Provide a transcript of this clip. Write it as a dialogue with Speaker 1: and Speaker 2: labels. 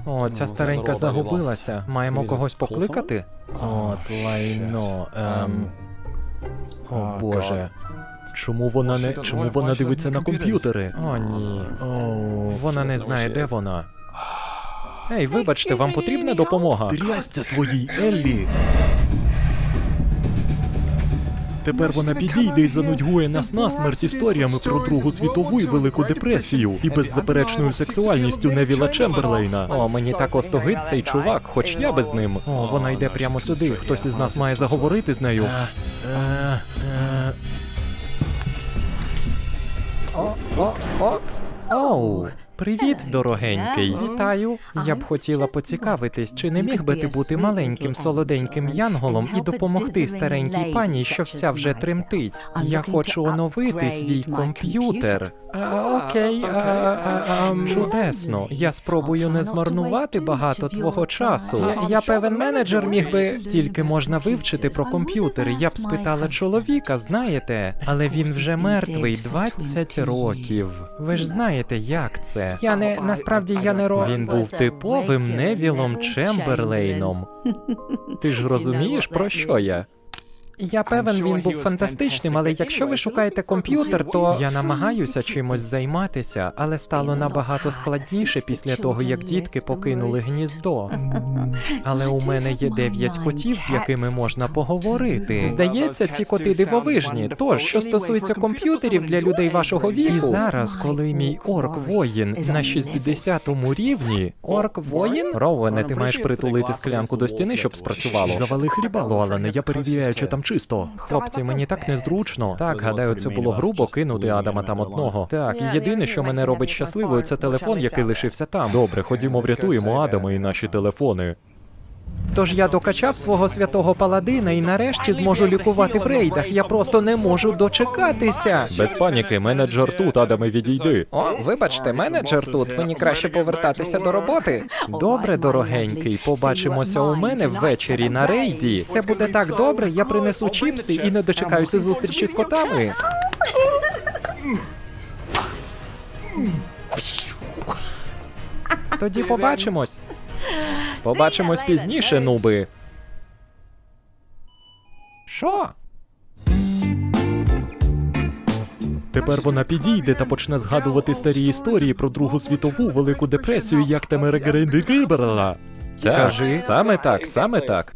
Speaker 1: О, ця старенька загубилася. Маємо когось покликати? От лайно. О, Боже. Чому вона дивиться на комп'ютери? О, ні. О, вона не знає, де вона. Ей, вибачте, вам потрібна допомога? Трясця твоїй, Еллі! Тепер вона підійде і занудьгує нас насмерть історіями про Другу світову і Велику депресію і беззаперечною сексуальністю Невіла Чемберлейна. О, мені так остогид цей чувак, хоч я би з ним. О, вона йде прямо сюди. Хтось із нас має заговорити з нею. Оу. Привіт, дорогенький. Вітаю. Я б хотіла поцікавитись, чи не міг би ти бути маленьким солоденьким янголом і допомогти старенькій пані, що вся вже тремтить? Я хочу оновити свій комп'ютер. Окей, чудесно. Я спробую не змарнувати багато твого часу. Я певен, менеджер міг би... Стільки можна вивчити про комп'ютери. Я б спитала чоловіка, знаєте? Але він вже мертвий 20 років. Ви ж знаєте, як це. Насправді я не Він був типовим Невілом Чемберлейном. Ти ж розумієш, про що я? Я певен, він був фантастичним, але якщо ви шукаєте комп'ютер, то... Я намагаюся чимось займатися, але стало набагато складніше після того, як дітки покинули гніздо. Але у мене є 9 котів, з якими можна поговорити. Здається, ці коти дивовижні. Тож, що стосується комп'ютерів для людей вашого віку... І зараз, коли мій орк-воїн на 60-му рівні... Орк-воїн? Роуене, ти маєш притулити склянку до стіни, щоб спрацювало. Завали хлібало, Алане, я перевіряю, чи там чисто. Хлопці, мені так незручно. Так, гадаю, це було грубо кинути Адама там одного. Так, і єдине, що мене робить щасливою, це телефон, який лишився там. Добре, ходімо, врятуємо Адама і наші телефони. Тож я докачав свого святого паладина і нарешті зможу лікувати в рейдах. Я просто не можу дочекатися. Без паніки, менеджер тут, Адаме, відійди. О, вибачте, менеджер тут. Мені краще повертатися до роботи. Добре, дорогенький, побачимося у мене ввечері на рейді. Це буде так добре, я принесу чіпси і не дочекаюся зустрічі з котами. Тоді побачимось. Побачимось пізніше, нуби. Що? Тепер вона підійде та почне згадувати старі історії про Другу світову, Велику депресію, як Темерегерендигиберла. Так, саме так, саме так.